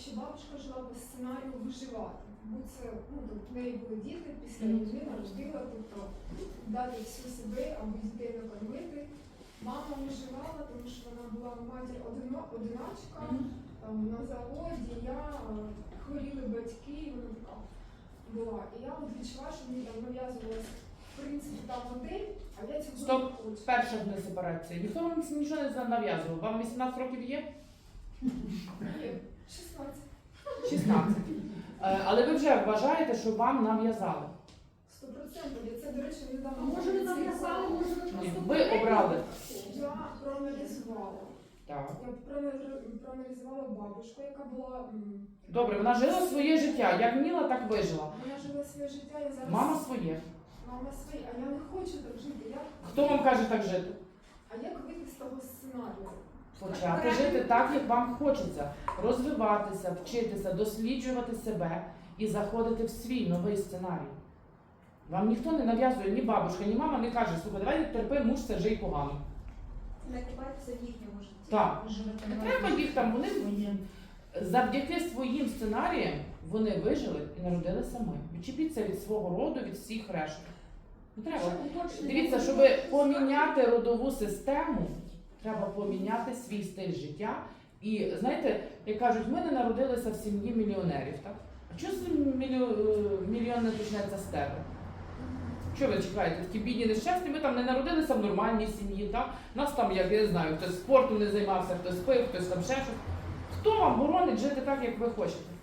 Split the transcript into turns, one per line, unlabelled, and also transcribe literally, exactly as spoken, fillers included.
якщо бабушка жила по сценарію виживати, бо це, ну, тобто в неї були діти, після
Мгм.
війни народила, тобто дати всю себе, аби дітей накормити. Мама виживала, тому що вона була матір одино- одиначка, там, на заводі, я, е, хворіли батьки, вона така була. І я от відчуваю, що мені там нав'язувалася в принципі та модель, а я цього
Стоп.
не хочу.
Перша в них сепарація. Ніхто вам нічого не нав'язував. Вам вісімнадцять років є?
Ні, шістнадцять.
шістнадцять. Е, Але ви вже вважаєте, що вам нав'язали?
Сто процентів. Я це, до речі, недавно.
А може ви нав'язали, може ви
Ні,
просто
ви обрали.
Я проаналізувала.
Так.
Я проаналізу- проаналізувала бабушку, яка була. м,
Добре, вона жила своє життя. Як вміла, так вижила.
Вона жила своє життя, я зараз.
Мама своє.
Мама своє, а я не хочу так жити. Як...
Хто вам каже так жити?
А як вийти з того сценарію?
Почати жити так, як вам хочеться. Розвиватися, вчитися, досліджувати себе і заходити в свій новий сценарій. Вам ніхто не нав'язує, ні бабушка, ні мама не каже, слухай, давай терпи, муж це жий погано.
не купайтеся в їхньому житті.
Так.
Ви живете
Не
в
треба
разі.
їх там, вони завдяки своїм сценаріям вони вижили і народилися ми. Відчепіться від свого роду, від всіх решти. Не треба. Дивіться, щоб поміняти родову систему, треба поміняти свій стиль життя. І знаєте, як кажуть, ми не народилися в сім'ї мільйонерів, так? А чого з мільйон, мільйон не почнеться з тебе? Що ви чекаєте? Такі бідні нещасні, ми там не народилися в нормальній сім'ї, так? Нас там, як я не знаю, хтось спортом не займався, хтось пив, хтось там ще щось. Хто вам боронить жити так, як ви хочете?